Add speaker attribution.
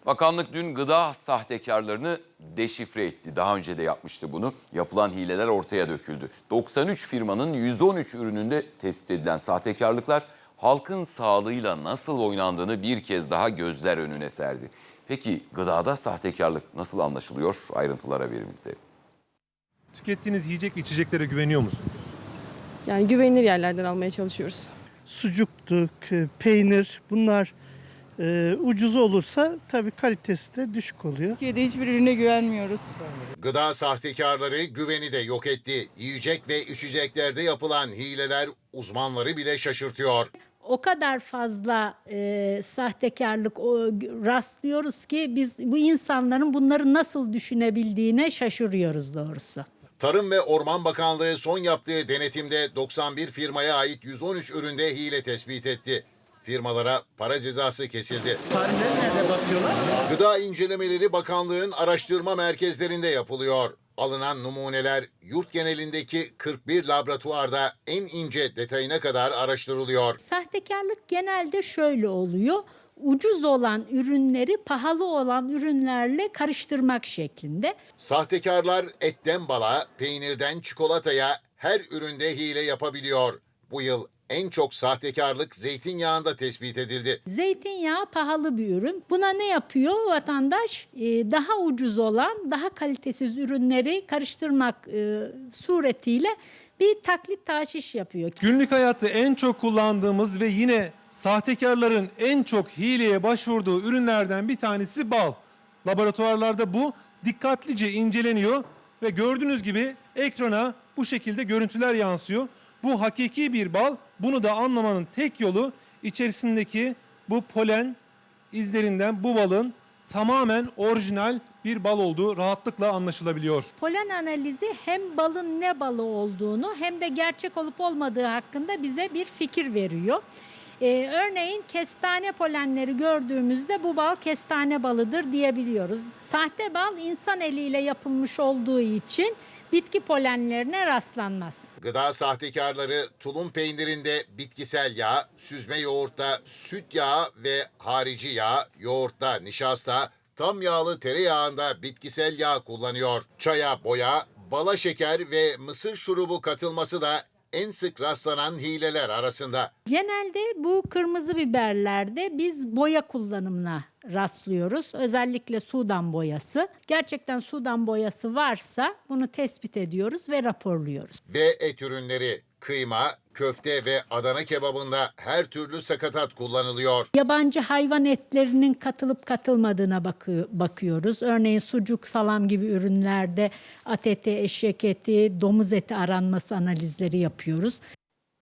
Speaker 1: Bakanlık dün gıda sahtekarlarını deşifre etti. Daha önce de yapmıştı bunu. Yapılan hileler ortaya döküldü. 93 firmanın 113 ürününde tespit edilen sahtekarlıklar halkın sağlığıyla nasıl oynandığını bir kez daha gözler önüne serdi. Peki gıdada sahtekarlık nasıl anlaşılıyor? Ayrıntılar haberimizde.
Speaker 2: Tükettiğiniz yiyecek ve içeceklere güveniyor musunuz?
Speaker 3: Yani güvenilir yerlerden almaya çalışıyoruz.
Speaker 4: Sucuktu, peynir bunlar ucuz olursa tabii kalitesi de düşük oluyor.
Speaker 3: Türkiye'de hiçbir ürüne güvenmiyoruz.
Speaker 5: Gıda sahtekarları güveni de yok etti. Yiyecek ve içeceklerde yapılan hileler uzmanları bile şaşırtıyor.
Speaker 6: O kadar fazla sahtekarlık rastlıyoruz ki biz bu insanların bunları nasıl düşünebildiğine şaşırıyoruz doğrusu.
Speaker 5: Tarım ve Orman Bakanlığı son yaptığı denetimde 91 firmaya ait 113 üründe hile tespit etti. Firmalara para cezası kesildi.
Speaker 7: Tarihleri nerede basıyorlar?
Speaker 5: Gıda İncelemeleri Bakanlığı'nın araştırma merkezlerinde yapılıyor. Alınan numuneler yurt genelindeki 41 laboratuvarda en ince detayına kadar araştırılıyor.
Speaker 6: Sahtekarlık genelde şöyle oluyor. Ucuz olan ürünleri pahalı olan ürünlerle karıştırmak şeklinde.
Speaker 5: Sahtekarlar etten bala, peynirden çikolataya her üründe hile yapabiliyor. Bu yıl en çok sahtekarlık zeytinyağında tespit edildi.
Speaker 6: Zeytinyağı pahalı bir ürün. Buna ne yapıyor vatandaş? Daha ucuz olan, daha kalitesiz ürünleri karıştırmak suretiyle bir taklit taşiş yapıyor.
Speaker 2: Günlük hayatta en çok kullandığımız ve yine sahtekarların en çok hileye başvurduğu ürünlerden bir tanesi bal. Laboratuvarlarda bu dikkatlice inceleniyor ve gördüğünüz gibi ekrana bu şekilde görüntüler yansıyor. Bu hakiki bir bal. Bunu da anlamanın tek yolu içerisindeki bu polen izlerinden bu balın tamamen orijinal bir bal olduğu rahatlıkla anlaşılabiliyor.
Speaker 6: Polen analizi hem balın ne balı olduğunu hem de gerçek olup olmadığı hakkında bize bir fikir veriyor. Örneğin kestane polenleri gördüğümüzde bu bal kestane balıdır diyebiliyoruz. Sahte bal insan eliyle yapılmış olduğu için bitki polenlerine rastlanmaz.
Speaker 5: Gıda sahtekarları tulum peynirinde bitkisel yağ, süzme yoğurtta süt yağı ve harici yağ, yoğurtta nişasta, tam yağlı tereyağında bitkisel yağ kullanıyor. Çaya boya, bala şeker ve mısır şurubu katılması da en sık rastlanan hileler arasında.
Speaker 6: Genelde bu kırmızı biberlerde biz boya kullanımına rastlıyoruz. Özellikle Sudan boyası. Gerçekten Sudan boyası varsa bunu tespit ediyoruz ve raporluyoruz.
Speaker 5: Ve et ürünleri, kıyma, köfte ve Adana kebabında her türlü sakatat kullanılıyor.
Speaker 6: Yabancı hayvan etlerinin katılıp katılmadığına bakıyoruz. Örneğin sucuk, salam gibi ürünlerde at eti, eşek eti, domuz eti aranması analizleri yapıyoruz.